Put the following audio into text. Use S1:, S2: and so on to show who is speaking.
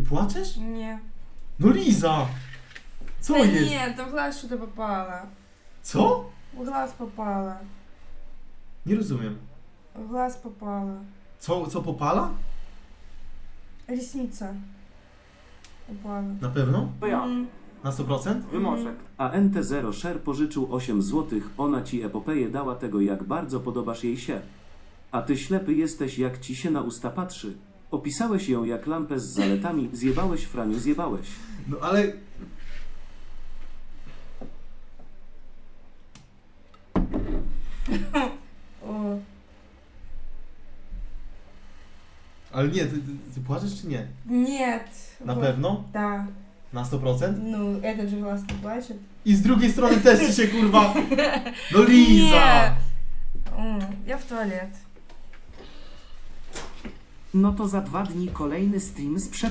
S1: Ty płaczesz?
S2: Не.
S1: No Liza! Co
S2: Да
S1: jest?
S2: нет, там в глаз что-то попало.
S1: Co?
S2: В глаз попало.
S1: Nie rozumiem.
S2: В глаз попало.
S1: Co popala?
S2: Ресница упала.
S1: Na pewno?
S3: To ja.
S1: Na 100%?
S3: Wymożek.
S4: A NT0 Share pożyczył 8 zł, ona ci epopeję dała tego, jak bardzo podobasz jej się. A ty ślepy jesteś, jak ci się na usta patrzy. Opisałeś ją jak lampę z zaletami, zjebałeś Franiu, zjebałeś.
S1: No ale...
S2: О,
S1: Ale nie, ty płaczesz czy nie?
S2: нет.
S1: Na
S2: Вот.
S1: pewno?
S2: Да.
S1: Na 100%?
S2: Ну, этот же глаз не плачет.
S1: I z drugiej strony też ci się kurwa... No Liza!
S2: Я в туалет.
S5: No to za 2 dni kolejny stream z